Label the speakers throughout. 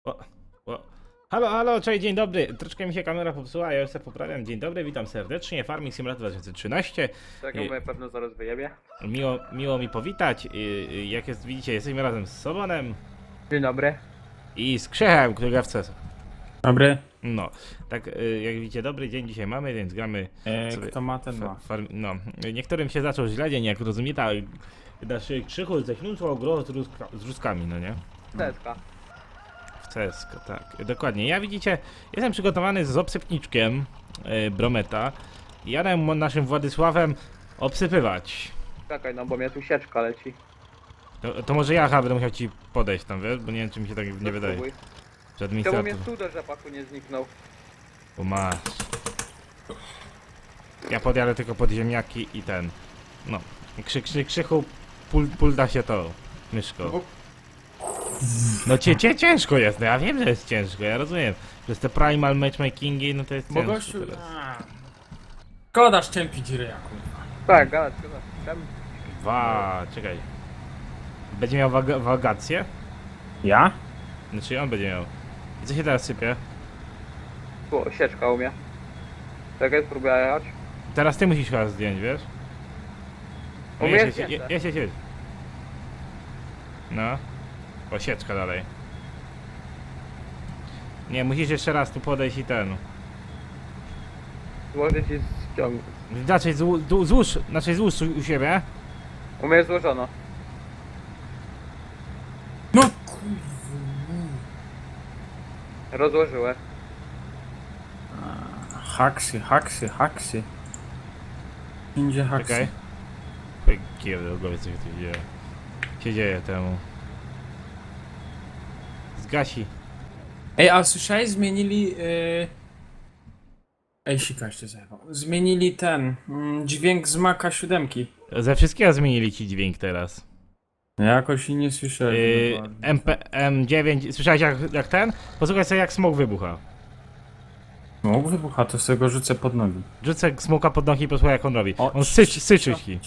Speaker 1: O, o. Halo, halo, cześć, dzień dobry. Troszkę mi się kamera popsuła, ja już się poprawiam. Dzień dobry, witam serdecznie. Farming Simulator 2013.
Speaker 2: Czego mnie pewno zaraz wyjebie.
Speaker 1: Miło mi powitać. Jak jest, widzicie, jesteśmy razem z Sobonem
Speaker 2: Dzień dobry.
Speaker 1: i z Krzechem, który gra w CS.
Speaker 3: Dobry.
Speaker 1: No, tak jak widzicie, dobry dzień dzisiaj mamy, więc gramy sobie.
Speaker 3: Kto ma, ten ma.
Speaker 1: No, niektórym się zaczął źle dzień, jak rozumiecie, a nasz Krzychu ześlunął gro z ruskami, no nie?
Speaker 2: Teska.
Speaker 1: W CS, tak, dokładnie. Ja widzicie, jestem przygotowany z obsypniczkiem Brometa. Jadę naszym Władysławem obsypywać.
Speaker 2: Czekaj, no bo mnie tu sieczka leci.
Speaker 1: To może ja będę musiał ci podejść tam, wiesz? Bo nie wiem, czy mi się tak nie wydaje.
Speaker 2: Spróbuj.
Speaker 1: Że
Speaker 2: Czemu
Speaker 1: administrator...
Speaker 2: mnie tu do rzepaku nie zniknął?
Speaker 1: Bo masz. Ja podjadę tylko pod ziemniaki i ten. No. Krzychu, pul da się to. Myszko. No ciężko jest, no ja wiem, że jest ciężko, ja rozumiem. Że te primal matchmakingi, no to jest
Speaker 3: Bo
Speaker 1: ciężko
Speaker 3: gościu...
Speaker 1: teraz.
Speaker 3: Szkoda szczępić ryja, kurwa.
Speaker 2: Tak, gadać, gadać.
Speaker 1: Czekaj. Będzie miał wagację?
Speaker 3: Ja?
Speaker 1: Znaczy on będzie miał. I co się teraz sypie?
Speaker 2: Tu sieczka u mnie. Czekaj, spróbuję jechać.
Speaker 1: Teraz ty musisz chyba zdjąć, wiesz?
Speaker 2: U mnie jest
Speaker 1: Jedź. No. O, sieczka dalej. Nie, musisz jeszcze raz tu podejść i ten.
Speaker 2: Złożę ci ściągnąć.
Speaker 1: Złóż u siebie.
Speaker 2: U mnie jest złożono.
Speaker 3: No kurwa.
Speaker 2: Rozłożyłem.
Speaker 3: Haksy. Idzie haksy.
Speaker 1: Czekaj. Kiełdę, głowie co się tu dzieje. Się dzieje temu. Zgasi.
Speaker 3: Ej, a słyszałeś? Zmienili... Ej, sika jeszcze zajebał. Zmienili ten... dźwięk z Maca 7.
Speaker 1: Ze wszystkiego zmienili ci dźwięk teraz.
Speaker 3: Jakoś i nie słyszałem.
Speaker 1: M9, słyszałeś jak ten? Posłuchaj sobie jak smok wybucha.
Speaker 3: No, wybucha, to z tego rzucę pod nogi.
Speaker 1: Rzucę smoka pod nogi i posłuchaj jak on robi.
Speaker 3: O,
Speaker 1: On syczy ci.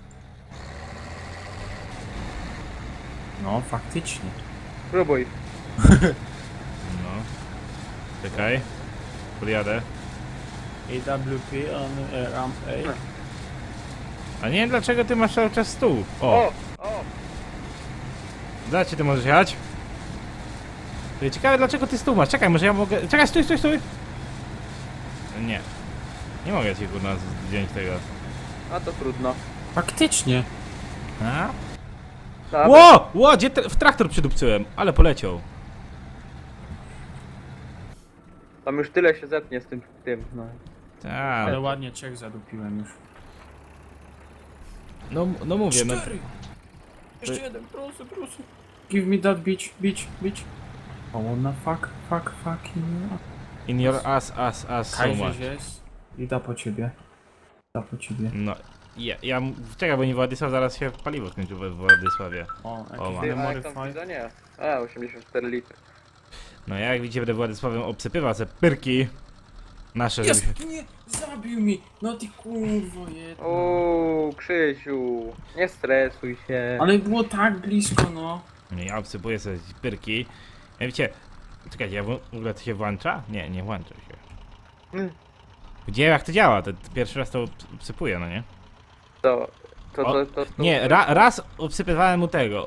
Speaker 3: No, faktycznie.
Speaker 2: Spróbuj.
Speaker 1: No. Czekaj. Podjadę.
Speaker 3: AWP on ramp A.
Speaker 1: A nie wiem dlaczego ty masz cały czas stół. O!
Speaker 2: O!
Speaker 1: Dlaczego ty możesz jechać? Ciekawe dlaczego ty stół masz. Czekaj, może ja mogę... Czekaj, stój! Nie. Nie mogę ci kurna zdjąć tego.
Speaker 2: A to trudno.
Speaker 3: Faktycznie.
Speaker 1: A?
Speaker 2: Dobra.
Speaker 1: Ło! Gdzie w traktor przydupcyłem? Ale poleciał.
Speaker 2: Tam już tyle się zetnie z tym, no.
Speaker 1: Tak.
Speaker 3: Ale ładnie Czech zadupiłem już.
Speaker 1: No mówię, no.
Speaker 3: 4. Jeszcze jeden, proszę. Give me that bitch. Oh, wanna fucking
Speaker 1: In your ass so much.
Speaker 3: Kajże jest. I da po ciebie.
Speaker 1: No. Czekaj, bo nie Władysław zaraz się paliwo skończył we Władysławie.
Speaker 3: O,
Speaker 1: O,
Speaker 3: jakiś
Speaker 1: ma.
Speaker 2: Ty, a jak
Speaker 3: memory
Speaker 2: tam
Speaker 3: file.
Speaker 2: widzę? Nie. A, 84 litry.
Speaker 1: No ja jak widzicie będę Władysławem obsypywał te pyrki nasze, żeby się...
Speaker 3: Jest! Nie! Zabił mi! No ty kurwo jedna.
Speaker 2: Uuu, Krzysiu. Nie stresuj się.
Speaker 3: Ale było tak blisko, no.
Speaker 1: Nie, ja obsypuję sobie pyrki. Ja wiecie... Czekajcie, ja w ogóle to się włącza? Nie włącza się. Gdzie jak to działa? To pierwszy raz to obsypuję, no nie?
Speaker 2: To.
Speaker 1: Nie, raz obsypywałem u tego,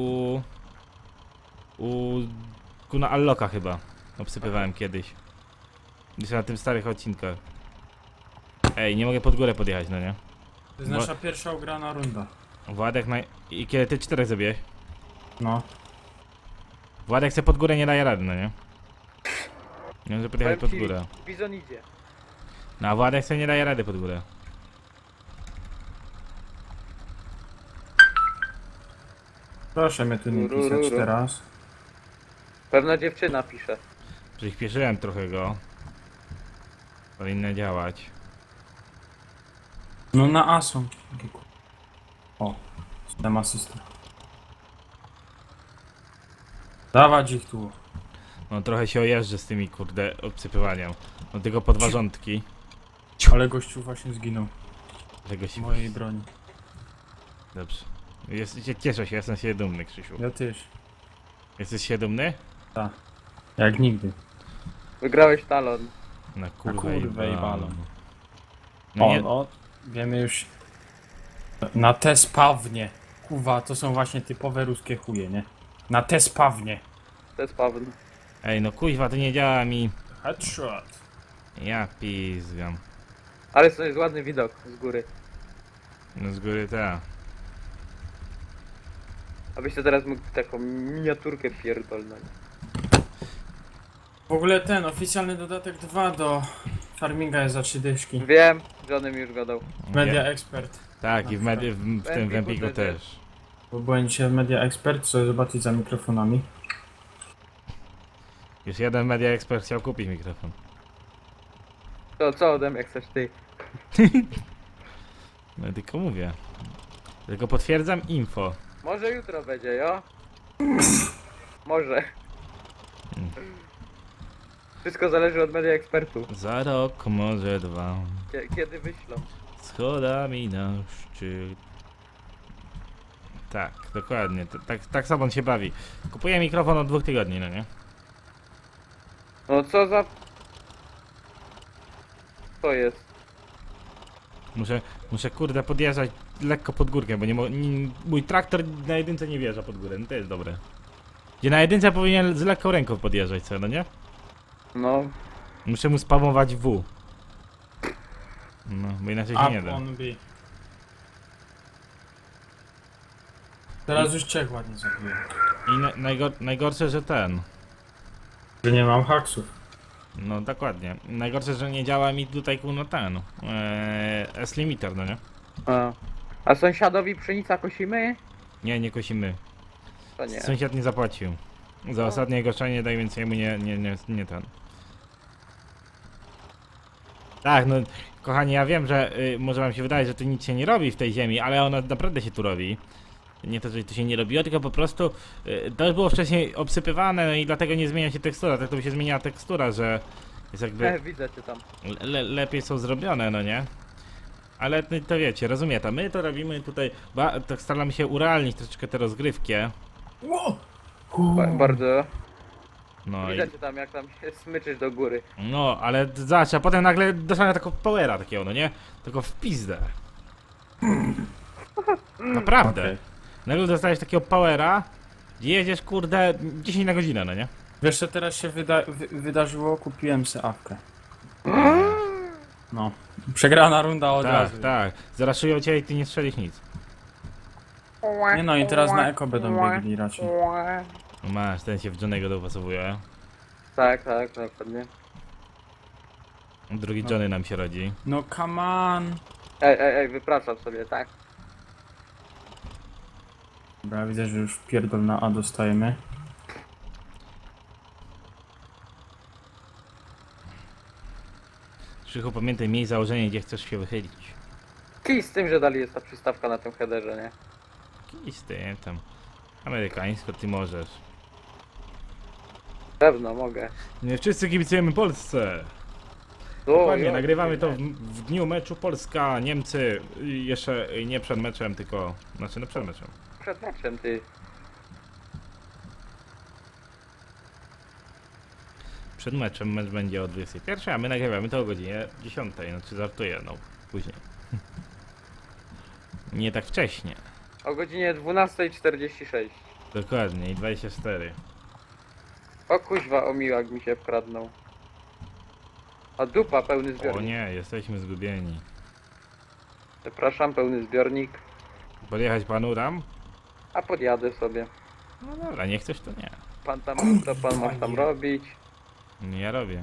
Speaker 1: na Alloka chyba. Obsypywałem kiedyś. Gdzieś na tym starych odcinkach. Ej, nie mogę pod górę podjechać, no nie?
Speaker 3: To jest nasza pierwsza ugrana runda.
Speaker 1: Władek I kiedy ty 4 zabiłeś?
Speaker 3: No.
Speaker 1: Władek chce pod górę nie daje rady, no nie? Nie może podjechać pod
Speaker 2: Powiem ci,
Speaker 1: górę.
Speaker 2: Bizon idzie.
Speaker 1: No a Władek sobie nie daje rady pod górę.
Speaker 3: Proszę mnie tu nie pisać teraz.
Speaker 2: Pewna dziewczyna pisze.
Speaker 1: Przyspieszyłem trochę go. Powinno działać.
Speaker 3: No na A są. O. Dam asystę. Dawać ich tu.
Speaker 1: No trochę się ojeżdżę z tymi kurde obsypywaniem. No tylko podważątki.
Speaker 3: Ale gościu właśnie zginął.
Speaker 1: Tego się...
Speaker 3: W mojej broni.
Speaker 1: Dobrze. Cieszę się, jestem się dumny, Krzysiu.
Speaker 3: Ja też.
Speaker 1: Jesteś się dumny?
Speaker 3: Tak. Jak nigdy.
Speaker 2: Wygrałeś talon.
Speaker 1: Na kurwę,
Speaker 3: kurwę i balon.
Speaker 1: No
Speaker 3: O,
Speaker 1: nie,
Speaker 3: no, wiemy już. Na te spawnie. Kuwa, to są właśnie typowe ruskie chuje, nie? Na te spawnie.
Speaker 2: To jest pewne.
Speaker 1: ej, no kuźwa, to nie działa mi.
Speaker 3: Headshot.
Speaker 1: Ja pizgam.
Speaker 2: Ale to jest ładny widok z góry.
Speaker 1: No z góry ta.
Speaker 2: Abyście teraz mógł taką miniaturkę pierdolnąć.
Speaker 3: W ogóle ten oficjalny dodatek 2 do farminga jest za 3 dyszki.
Speaker 2: Wiem, Johnny mi już gadał.
Speaker 3: Media Expert.
Speaker 1: Tak, i w tym w Empiku też.
Speaker 3: Bo byłem dzisiaj w Media Expert, co zobaczyć za mikrofonami.
Speaker 1: Już jeden Media Expert chciał kupić mikrofon.
Speaker 2: To co ode mnie chcesz ty?
Speaker 1: No tylko mówię. Tylko potwierdzam info.
Speaker 2: Może jutro będzie, jo? Może. Wszystko zależy od media ekspertów.
Speaker 1: Za rok, może dwa.
Speaker 2: Kiedy wyślą.
Speaker 1: Schodami na szczyt. Tak, dokładnie. Tak samo on się bawi. Kupuję mikrofon od 2 tygodni, no nie?
Speaker 2: No co za... To jest.
Speaker 1: Muszę kurde podjeżdżać lekko pod górkę, bo mój traktor na jedynce nie wjeżdża pod górę, no to jest dobre. Gdzie na jedynce powinien z lekką ręką podjeżdżać, co, no nie?
Speaker 2: No.
Speaker 1: Muszę mu spamować W. No, bo inaczej się nie
Speaker 3: Up
Speaker 1: da.
Speaker 3: on B. Teraz już Czech ładnie zabiłem.
Speaker 1: I najgorsze, że ten.
Speaker 3: Że nie mam haksów.
Speaker 1: No dokładnie. Najgorsze, że nie działa mi tutaj no ten. S-limiter, no nie?
Speaker 2: A sąsiadowi pszenica kosimy?
Speaker 1: Nie, nie kosimy.
Speaker 2: To nie.
Speaker 1: Sąsiad nie zapłacił. Za ostatnie goszczenie, tak więc jemu nie ten. Tak, no kochani, ja wiem, że może wam się wydaje, że tu nic się nie robi w tej ziemi, ale ona naprawdę się tu robi. Nie to, że tu się nie robiło, tylko po prostu to już było wcześniej obsypywane, no i dlatego nie zmienia się tekstura. Tak to by się zmieniała tekstura, że jest jakby
Speaker 2: Widzę cię tam.
Speaker 1: lepiej są zrobione, no nie? Ale to wiecie, rozumie to. My to robimy tutaj, tak staramy się urealnić troszeczkę tę rozgrywkę.
Speaker 3: Wow.
Speaker 2: Bardzo.
Speaker 1: No,
Speaker 2: Widzę cię tam, jak tam się smyczysz do góry.
Speaker 1: no ale zobacz, a potem nagle dostałem taką powera takiego, no nie? Tylko w pizdę. Naprawdę.
Speaker 3: Okay.
Speaker 1: Nagle dostajesz takiego powera, gdzie jedziesz kurde 10 na godzinę, no nie?
Speaker 3: Wiesz co teraz się wydarzyło? Kupiłem se awkę. No. Przegrana runda od
Speaker 1: Tak,
Speaker 3: razu.
Speaker 1: tak. Zaraszują cię i ty nie strzelisz nic.
Speaker 3: Nie no i teraz na eko będą biegli raczej.
Speaker 1: No masz, ten się w Johnny'ego dopasowuje.
Speaker 2: Tak, tak, dokładnie.
Speaker 1: Drugi Johnny nam się rodzi.
Speaker 3: No come on.
Speaker 2: Ej, wypraszam sobie, tak?
Speaker 3: Dobra, widzę, że już pierdol na A dostajemy.
Speaker 1: Krzychu, pamiętaj, miej założenie, gdzie chcesz się wychylić.
Speaker 2: Kij z tym, że dali jest ta przystawka na tym headerze, nie?
Speaker 1: Kij z tym tam. Amerykańsko ty możesz.
Speaker 2: Pewno, mogę.
Speaker 1: Nie wszyscy kibicujemy Polsce.
Speaker 2: O,
Speaker 1: Dokładnie,
Speaker 2: jo,
Speaker 1: nagrywamy to
Speaker 2: nie.
Speaker 1: w dniu meczu Polska-Niemcy. Jeszcze nie przed meczem, tylko... Znaczy no przed meczem.
Speaker 2: Przed meczem, ty.
Speaker 1: Przed meczem mecz będzie o 21, a my nagrywamy to o godzinie 10. Znaczy żartuję, no później. Nie tak wcześnie.
Speaker 2: O godzinie 12:46.
Speaker 1: Dokładnie, i 24.
Speaker 2: O kuźwa, omiłak mi się wkradnął. A dupa, pełny
Speaker 1: O
Speaker 2: zbiornik.
Speaker 1: nie, jesteśmy zgubieni.
Speaker 2: Przepraszam, pełny zbiornik.
Speaker 1: Podjechać panu tam?
Speaker 2: A podjadę sobie.
Speaker 1: No dobra, nie chcesz to nie.
Speaker 2: Pan tam, co pan masz tam robić?
Speaker 1: Nie, ja robię.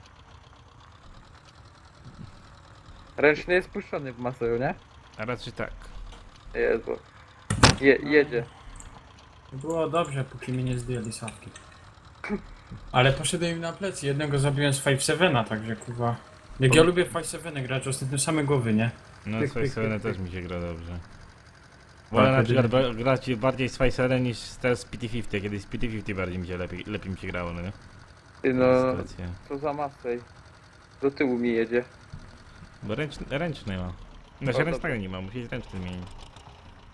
Speaker 2: Ręczny jest puszczony w masę, nie?
Speaker 1: A raczej tak.
Speaker 2: Jezu. Jedzie.
Speaker 3: Było dobrze, póki mnie nie zdjęli sawki. Ale poszedłem im na plecy. Jednego zabiłem z 5-7, także kurwa. Jak ja lubię 5-7 grać, ostatnio same głowy, nie?
Speaker 1: No
Speaker 2: Tyk,
Speaker 1: z
Speaker 2: tyk,
Speaker 1: Face'em
Speaker 2: tyk,
Speaker 1: też mi się gra dobrze. Wolę na przykład grać bardziej z Face'em niż z PT-50, kiedy z PT-50 bardziej mi się lepiej mi się grało, no nie?
Speaker 2: Ty no,
Speaker 1: Sytuacja.
Speaker 2: co za masę. Do tyłu mi jedzie.
Speaker 1: Bo ręczny ma. Znaczy
Speaker 2: O,
Speaker 1: ręcznego nie ma, musi ręczny zmienić.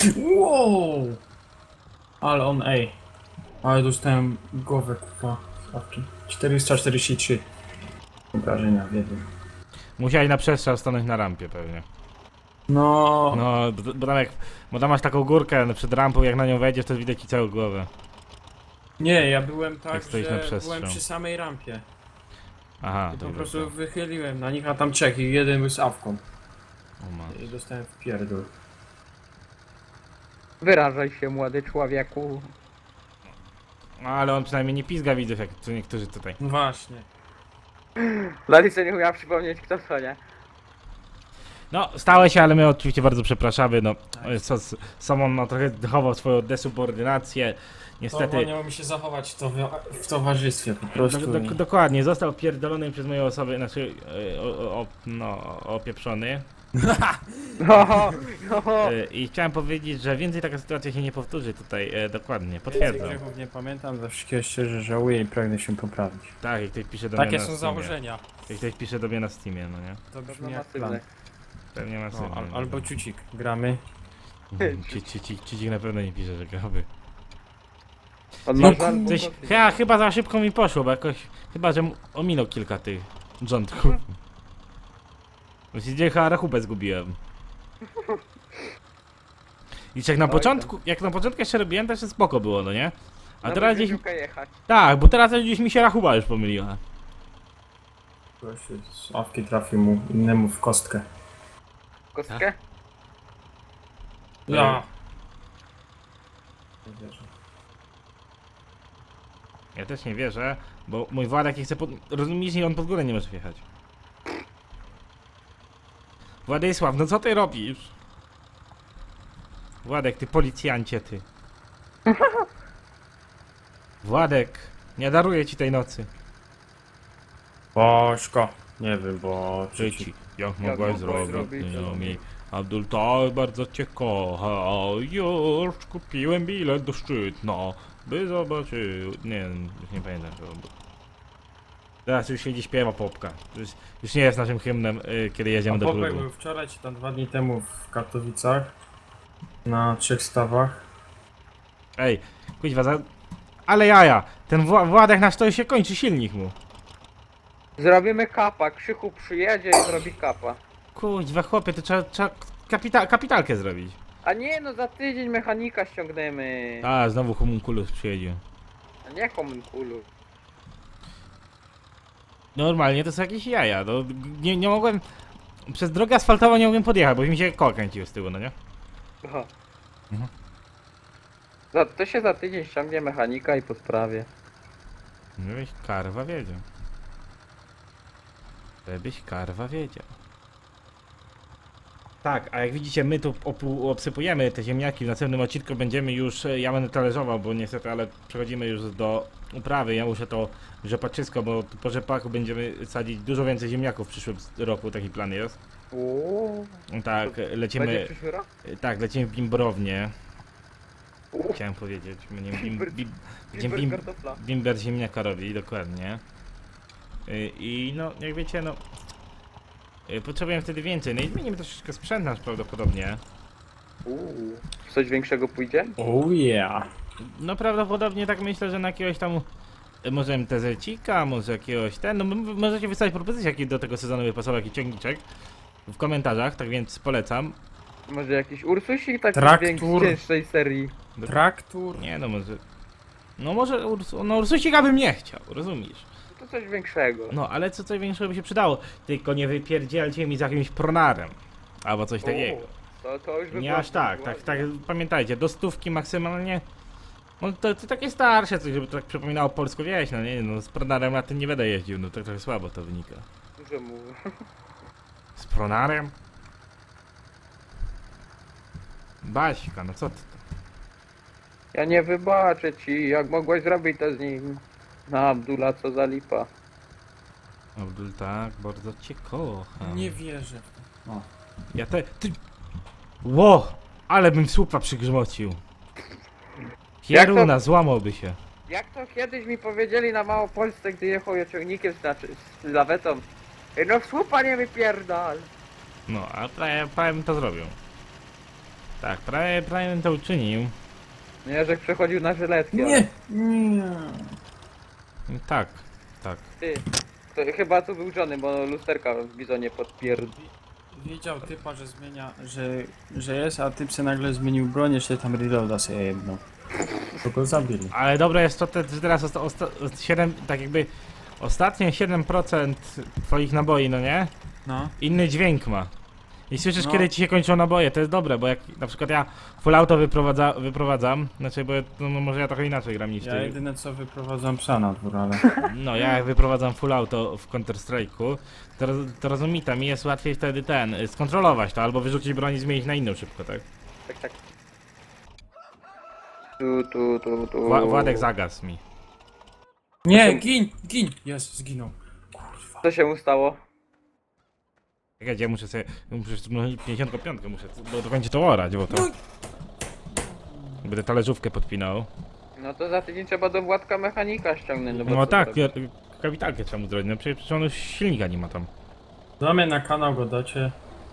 Speaker 3: Wow! Ale on, ej. Ale dostałem głowę, kurwa. słuchawki. 443 obrażenia w jednym.
Speaker 1: Musiałeś na przestrzał stanąć na rampie pewnie.
Speaker 3: No,
Speaker 1: No, bo tam masz taką górkę przed rampą, jak na nią wejdziesz, to widać ci całą głowę.
Speaker 3: nie, ja byłem tak,
Speaker 1: Jak stoisz na
Speaker 3: że
Speaker 1: przestrzał.
Speaker 3: byłem przy samej rampie.
Speaker 1: Aha,
Speaker 3: I po
Speaker 1: dobra.
Speaker 3: prostu wychyliłem na nich, a tam trzech i jeden był z awką.
Speaker 1: O, ma.
Speaker 3: I dostałem w pierdol.
Speaker 2: Wyrażaj się, młody człowieku.
Speaker 1: No, ale on przynajmniej nie pizga widzów, jak tu niektórzy tutaj.
Speaker 3: No właśnie.
Speaker 2: Lalice nie umiała przypomnieć kto to, nie?
Speaker 1: No, stało się, ale my oczywiście bardzo przepraszamy, no. Samon no, trochę chował swoją desubordynację. Niestety.
Speaker 3: To mi się zachować w towarzystwie po prostu.
Speaker 1: Dokładnie, został pierdolony przez moją osobę, znaczy opieprzony.
Speaker 2: No, no.
Speaker 1: I chciałem powiedzieć, że więcej taka sytuacja się nie powtórzy tutaj, dokładnie,
Speaker 3: Więcej
Speaker 1: potwierdzam.
Speaker 3: grzechów nie pamiętam, za wszystkiego szczerze żałuję i pragnę się poprawić.
Speaker 1: Tak, jak ktoś pisze do mnie
Speaker 3: Takie
Speaker 1: na
Speaker 3: są
Speaker 1: Steamie.
Speaker 3: założenia.
Speaker 1: Jak ktoś pisze do mnie na Steamie, no nie?
Speaker 3: To
Speaker 2: To
Speaker 3: brzmi jak plan.
Speaker 2: masywne.
Speaker 1: Pewnie ma
Speaker 3: No,
Speaker 1: sens.
Speaker 3: albo ciucik. Gramy.
Speaker 1: Ci na pewno nie pisze, że graby.
Speaker 2: On
Speaker 1: No,
Speaker 2: ma żal,
Speaker 1: coś,
Speaker 2: bo-
Speaker 1: chyba za szybko mi poszło, bo jakoś, chyba że ominął kilka tych rządków. Właściwie chyba rachubę zgubiłem. I jak na
Speaker 2: Oj,
Speaker 1: początku, jeszcze robiłem, to jeszcze spoko było, no nie? A
Speaker 2: na
Speaker 1: teraz gdzieś,
Speaker 2: wyścigówkę jechać.
Speaker 1: tak, bo teraz gdzieś mi się rachuba już pomyliła.
Speaker 3: Ktoś z awki trafił mu innemu w kostkę.
Speaker 2: Kostkę?
Speaker 3: Ja. Nie wierzę.
Speaker 1: Ja też nie wierzę, bo mój Władek nie chce rozumiesz, i on pod górę nie może wjechać. Władysław, no co ty robisz? Władek, ty policjancie, ty. Władek, nie daruję ci tej nocy.
Speaker 3: Bożko. Nie wiem, bo...
Speaker 1: Życi, jak mogłeś
Speaker 2: mogłeś
Speaker 1: zrobić,
Speaker 2: zrobić,
Speaker 1: mi. Abdul tak bardzo cię kocha, już kupiłem bilet do Szczytna, by zobaczył... Nie, już nie pamiętam co było. Teraz już siedzi śpiewa popka. Już nie jest naszym hymnem, kiedy jedziemy do
Speaker 3: Popek
Speaker 1: klubu.
Speaker 3: był wczoraj czy tam 2 dni temu w Katowicach. Na 3 stawach.
Speaker 1: Ej, kuźwa, ale jaja, ten Władek nasz to się kończy silnik mu.
Speaker 2: Zrobimy kapa. Krzychu przyjedzie i zrobi kapa.
Speaker 1: Kuźwa, chłopie, to trzeba kapitalkę zrobić.
Speaker 2: A nie, no za tydzień mechanika ściągniemy.
Speaker 1: A, znowu homunculus przyjedzie.
Speaker 2: A nie homunculu.
Speaker 1: Normalnie to są jakieś jaja, no, nie mogłem... Przez drogę asfaltową nie mogłem podjechać, bo mi się koło kręciło z tyłu, no nie?
Speaker 2: Aha.
Speaker 1: Mhm.
Speaker 2: To się za tydzień ściągnie mechanika i po sprawie.
Speaker 1: Żebyś karwa wiedział. Żebyś karwa wiedział. Tak, a jak widzicie, my tu obsypujemy te ziemniaki. W następnym odcinku będziemy już, ja będę talerzował, bo niestety, ale przechodzimy już do uprawy. Ja muszę to rzepaczysko, bo po rzepaku będziemy sadzić dużo więcej ziemniaków w przyszłym roku, taki plan jest.
Speaker 2: Uuu.
Speaker 1: Tak,
Speaker 2: Będzie
Speaker 1: lecimy,
Speaker 2: przyszły rok?
Speaker 1: tak, lecimy w bimbrownię.
Speaker 2: Uuu.
Speaker 1: Chciałem powiedzieć, będziemy
Speaker 2: Bimber
Speaker 1: bim,
Speaker 2: kartofla.
Speaker 1: bimber ziemniaka robi, dokładnie. I no, jak wiecie, no, potrzebujemy wtedy więcej. No i zmienimy troszeczkę sprzęt nasz prawdopodobnie.
Speaker 2: Uuu. Coś większego pójdzie?
Speaker 3: Oh yeah.
Speaker 1: No prawdopodobnie tak myślę, że na jakiegoś tam, może MTZ-cika, może jakiegoś no możecie wystawić propozycje, jaki do tego sezonu wypasował, jaki ciągniczek w komentarzach, tak więc polecam.
Speaker 2: Może jakiś Ursusik taki
Speaker 3: Traktur.
Speaker 2: z cięższej serii.
Speaker 3: Traktur.
Speaker 1: Nie no, może Ursusika bym nie chciał, rozumiesz?
Speaker 2: To coś większego.
Speaker 1: No, ale coś większego by się przydało, tylko nie wypierdzielcie mi z jakimś pronarem, albo coś takiego.
Speaker 2: To już by
Speaker 1: Nie
Speaker 2: było
Speaker 1: aż tak, pamiętajcie, do 100 maksymalnie. No to takie starsze coś, żeby to tak przypominało polską wieś, no nie, no z pronarem na tym nie będę jeździł, no to trochę słabo to wynika.
Speaker 2: Dużo mówię.
Speaker 1: Z pronarem? Baśka, no co ty?
Speaker 2: Ja nie wybaczę ci, jak mogłeś zrobić to z nim. Na Abdula, co za lipa.
Speaker 1: Abdul, tak, bardzo cię kocham.
Speaker 3: Nie wierzę. O.
Speaker 1: Ja ty... Ło! Ale bym słupa przygrzmocił. Pieruna, złamałby się.
Speaker 2: Jak to kiedyś mi powiedzieli na Małopolsce, gdy jechał ciągnikiem, znaczy z lawetą. No w słupa nie wypierdal.
Speaker 1: No, a prawie bym to zrobił. Tak, prawie bym to uczynił.
Speaker 2: Nie, że przechodził na żyletkę.
Speaker 3: Nie. Nie.
Speaker 1: Tak, tak.
Speaker 2: Ty, to chyba tu był Johnny, bo lusterka w bizonie
Speaker 3: Wiedział typa, że zmienia, że jest, a typ se nagle zmienił broń, jeszcze tam reloada sobie jedną. To go zabili.
Speaker 1: Ale dobre jest to, że teraz 7, tak jakby ostatnie 7% twoich naboi, no nie?
Speaker 3: No.
Speaker 1: Inny dźwięk ma. I słyszysz,
Speaker 3: No.
Speaker 1: kiedy ci się kończą naboje, to jest dobre, bo jak na przykład ja full auto wyprowadzam, znaczy, bo no, może ja trochę inaczej gram niż
Speaker 3: Ja
Speaker 1: ty.
Speaker 3: jedyne co wyprowadzam psa na dwór, ale...
Speaker 1: No, ja jak wyprowadzam full auto w Counter Strike'u, to rozumita, mi jest łatwiej wtedy skontrolować to, albo wyrzucić broń i zmienić na inną szybko, tak?
Speaker 2: Tak, tak. Tu.
Speaker 1: Władek zagasł mi.
Speaker 3: Nie, gin! Jest, zginął. Kurwa.
Speaker 2: Co się mu stało?
Speaker 1: Czekajcie, ja muszę 55 muszę, bo to będzie to orać, bo to... Będę talerzówkę podpinał.
Speaker 2: No to za tydzień trzeba do Władka mechanika ściągnąć. No, bo
Speaker 1: No
Speaker 2: co
Speaker 1: tak,
Speaker 2: zrobić?
Speaker 1: kapitalkę trzeba mu zrobić, no przecież on już silnika nie ma tam.
Speaker 3: Do mnie na kanał go dacie.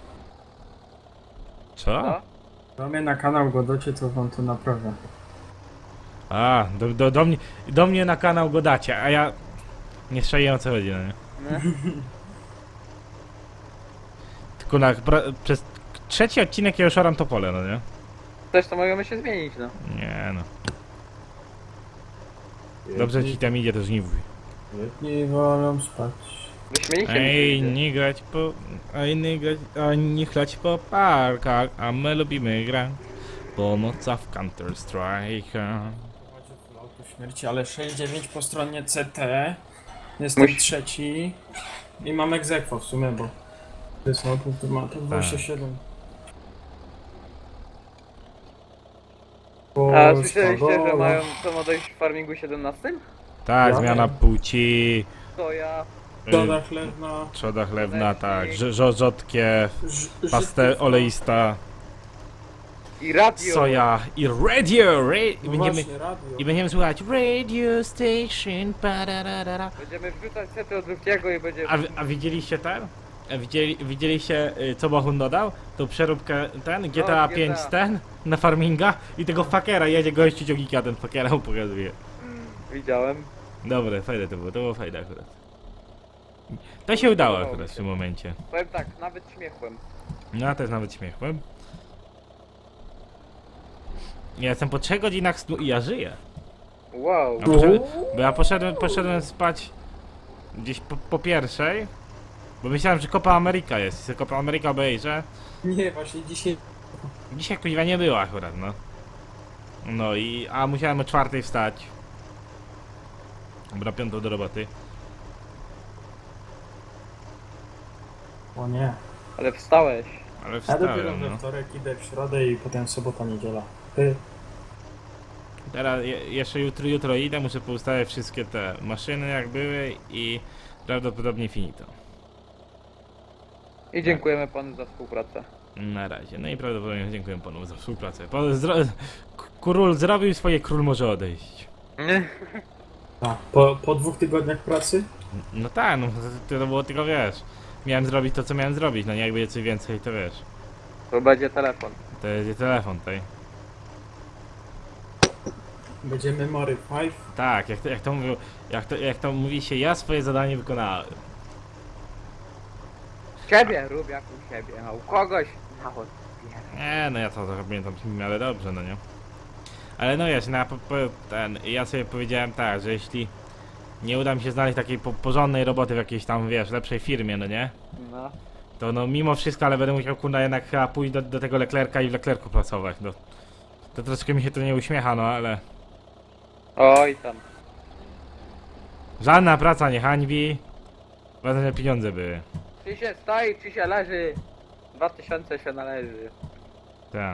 Speaker 1: Co?
Speaker 2: No?
Speaker 3: Do mnie na kanał go dacie, to wam to naprawię.
Speaker 1: A, do mnie na kanał go dacie, a ja... Nie strzeliłem o co chodzi, no nie?
Speaker 2: Nie?
Speaker 1: Tylko przez trzeci odcinek ja już oram to pole, no nie?
Speaker 2: Też to możemy się zmienić, no.
Speaker 1: Nie no. Dobrze ci tam idzie, to żniwuj.
Speaker 3: Jedni wolą spać.
Speaker 2: Wyśmienicie
Speaker 1: Ej,
Speaker 2: mi się
Speaker 1: nie grać po... A nie chlać po parkach, a my lubimy grać po nocach w Counter Strike.
Speaker 3: Śmierci, ale 6-9 po stronie CT. Jestem
Speaker 2: Musi-
Speaker 3: trzeci. I mam egzekwo w sumie, bo... To jest auto, to ma to 27.
Speaker 2: A słyszeliście, że mają co ma dojść w farmingu 17?
Speaker 1: Tak,
Speaker 3: Ja
Speaker 1: zmiana
Speaker 3: wiem.
Speaker 1: płci.
Speaker 2: To ja.
Speaker 3: Doda chlewna.
Speaker 1: Trzoda chlewna, tak.
Speaker 2: Chlebnik.
Speaker 1: Rzodkiew, pastę oleista,
Speaker 2: I radio.
Speaker 1: soja i radio.
Speaker 3: No właśnie, radio.
Speaker 1: I będziemy słuchać radio station. Pararara.
Speaker 2: Będziemy wrzucać sety od Luftiego i będzie...
Speaker 1: A widzieliście ten? Widzieliście co Bohun dodał? Tą przeróbkę ten, GTA 5
Speaker 2: GTA.
Speaker 1: ten, na farminga i tego fakera jedzie gościu ciągnika, a ten fakera mu pokazuje.
Speaker 2: Widziałem.
Speaker 1: Dobre, fajne to było fajne akurat. To się udało akurat w tym momencie.
Speaker 2: Powiem tak, nawet śmiechłem.
Speaker 1: No ja też nawet śmiechłem. Ja jestem po 3 godzinach snu i ja żyję.
Speaker 2: Wow.
Speaker 1: Bo ja poszedłem spać gdzieś po pierwszej, bo myślałem, że Copa America jest. I Copa America obejrzę.
Speaker 3: Nie, właśnie dzisiaj...
Speaker 1: Dzisiaj kuźwa nie było akurat, no. No a musiałem o 4 wstać. Dobra, 5 do roboty.
Speaker 3: O nie.
Speaker 2: Ale wstałeś.
Speaker 1: Ale
Speaker 3: Ja dopiero
Speaker 1: wstałem,
Speaker 3: we
Speaker 1: no.
Speaker 3: wtorek idę w środę i potem sobota, niedziela. Ty.
Speaker 1: Teraz jeszcze jutro idę, muszę poustawiać wszystkie te maszyny jak były i prawdopodobnie finito.
Speaker 2: I dziękujemy panu za współpracę.
Speaker 1: Na razie. No i prawdopodobnie dziękuję panu za współpracę. Król zrobił swoje, król może odejść.
Speaker 3: A, po 2 tygodniach pracy?
Speaker 1: No tak, no to było tylko, wiesz, miałem zrobić to, co miałem zrobić, no nie jakby coś więcej, to wiesz.
Speaker 2: To będzie telefon.
Speaker 1: To jest telefon tutaj.
Speaker 3: Będzie Memory 5.
Speaker 1: Tak, jak to mówią, jak to mówi się, ja swoje zadanie wykonałem.
Speaker 2: Ciebie rób jak u siebie, a u kogoś na odbierę.
Speaker 1: Nie, no ja to pamiętam w miarę dobrze, no nie? Ale no wiesz, no, ja sobie powiedziałem tak, że jeśli nie uda mi się znaleźć takiej porządnej roboty w jakiejś tam, wiesz, lepszej firmie, no nie?
Speaker 2: No.
Speaker 1: To no mimo wszystko, ale będę musiał kurna jednak chyba pójść do tego Leclerca i w Leclercu pracować, no. To troszkę mi się to nie uśmiecha, no ale...
Speaker 2: Oj tam.
Speaker 1: Żadna praca nie hańbi. Ważne, że pieniądze były.
Speaker 2: Czy się stoi, czy się leży. 2000 się należy.
Speaker 1: Tak.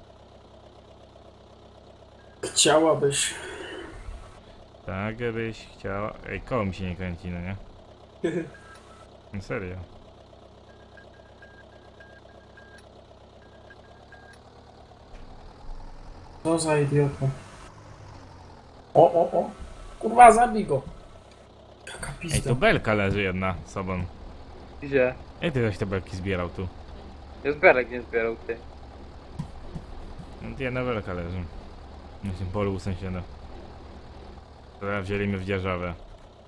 Speaker 3: Chciałabyś.
Speaker 1: Tak, byś chciała... Ej, koło mi się nie kręci, no nie? No serio.
Speaker 3: Co za idiota. O. Kurwa, zabij go. Jaka
Speaker 1: Ej,
Speaker 3: pizda.
Speaker 1: tu belka leży jedna sobą.
Speaker 2: Gdzie?
Speaker 1: Ej, ty żeś te belki zbierał tu.
Speaker 2: Jest Berek nie zbierał ty.
Speaker 1: No to jedna belka leży. Na tym polu u sąsiada. Teraz wzięli mnie w dzierżawę.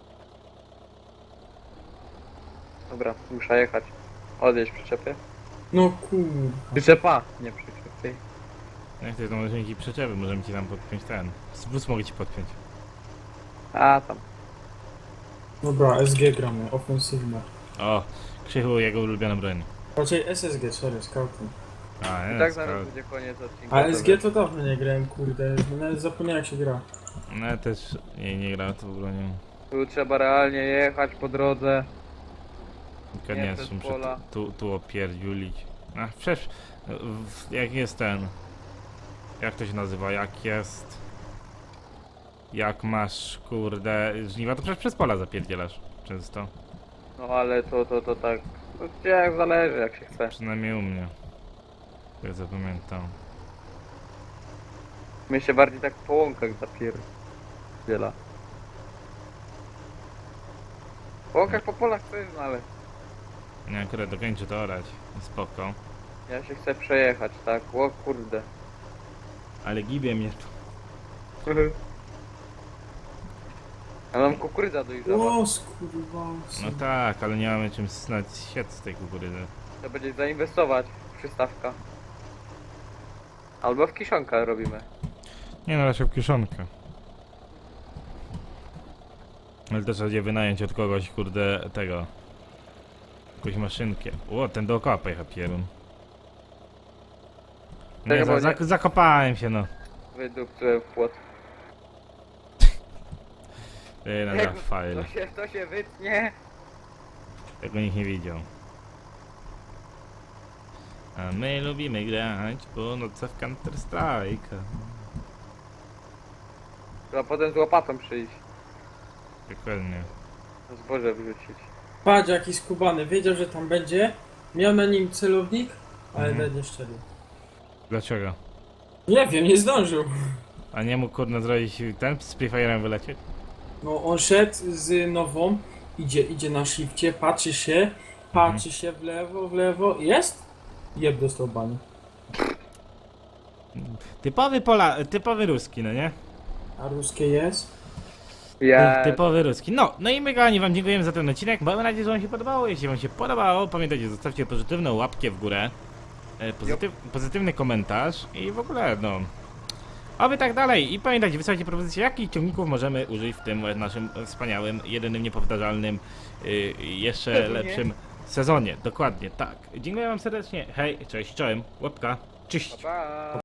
Speaker 2: Dobra, muszę jechać. Odjeźdź przyczepie.
Speaker 3: No kurwa.
Speaker 2: Przyczepa, nie przyczepy.
Speaker 1: Jak ty to możesz mieć i przyczepy, możemy ci tam podpiąć ten. Bus mogę ci podpiąć.
Speaker 2: A tam.
Speaker 3: Dobra, SG gramy, ofensywne.
Speaker 1: O, Krzychu, jego ulubiona broń.
Speaker 3: Raczej SSG, sorry, scouting.
Speaker 1: A,
Speaker 2: I
Speaker 1: nie,
Speaker 2: tak
Speaker 1: skoro-
Speaker 2: zaraz będzie koniec odcinka.
Speaker 3: A SG to dawno nie grałem, kurde, nawet zapomniałem jak się gra.
Speaker 1: No ja też nie gra tą bronią.
Speaker 2: Tu trzeba realnie jechać po drodze.
Speaker 1: Tylko
Speaker 2: Nie,
Speaker 1: nie,
Speaker 2: przez
Speaker 1: muszę
Speaker 2: pola.
Speaker 1: tu opierdziulić. A przecież, jak jest ten... Jak to się nazywa, jak jest... Jak masz, kurde, żniwa, to przecież przez pola zapierdzielasz często.
Speaker 2: No ale to tak. No, gdzie jak zależy jak się chce.
Speaker 1: Przynajmniej u mnie. Ja zapamiętam.
Speaker 2: My się bardziej tak po łąkach zapierdziela. Po łąkach, po polach to jest, no ale
Speaker 1: Nie, akurat dokończę to orać. Spoko.
Speaker 2: ja się chcę przejechać, tak? O kurde.
Speaker 1: Ale gibie mnie tu.
Speaker 2: A nam kukurydza dojrzała.
Speaker 3: O, skurwa.
Speaker 1: No tak, ale nie mamy czym snać siec z tej kukurydzy.
Speaker 2: To będzie zainwestować w przystawka. Albo w kiszonkę robimy.
Speaker 1: Nie no, raczej w kieszonkę. Ale też będzie wynająć od kogoś, kurde, tego. Jakąś maszynkę. O, ten dookoła pojechał pierun. Nie,
Speaker 2: Czekaj, bo nie-
Speaker 1: zakopałem się, no.
Speaker 2: Wydupcyłem w płot.
Speaker 1: Ej, na
Speaker 2: Jak
Speaker 1: file.
Speaker 2: To się wytnie.
Speaker 1: Tego nikt nie widział. A my lubimy grać po nocy w Counter Strike.
Speaker 2: Trzeba potem z łopatą przyjść.
Speaker 1: Dokładnie.
Speaker 2: Zboże wrzucić.
Speaker 3: Patrz jaki skubany, wiedział, że tam będzie, miał na nim celownik, ale
Speaker 1: Mhm.
Speaker 3: nie szczelił.
Speaker 1: Dlaczego?
Speaker 3: Nie wiem, nie zdążył.
Speaker 1: A nie mógł, kurde, zrobić ten z Free Fire'em wylecieć?
Speaker 3: No on szedł z nową, idzie na shifcie, patrzy się w lewo, jest? Jeb dostał bani.
Speaker 1: Typowy ruski, no nie?
Speaker 3: A ruskie jest?
Speaker 2: Ja...
Speaker 1: Typowy ruski. No i my kochani wam dziękujemy za ten odcinek. Mamy nadzieję, że wam się podobało. Jeśli wam się podobało, pamiętajcie, zostawcie pozytywną łapkę w górę. Pozytywny komentarz i w ogóle, no. Oby tak dalej. I pamiętajcie, wysłajcie propozycje, jakich ciągników możemy użyć w tym naszym wspaniałym, jedynym, niepowtarzalnym, jeszcze
Speaker 2: Sezonie.
Speaker 1: lepszym sezonie. Dokładnie, tak. Dziękuję wam serdecznie. Hej, cześć, czołem, łapka, cześć.
Speaker 2: Pa.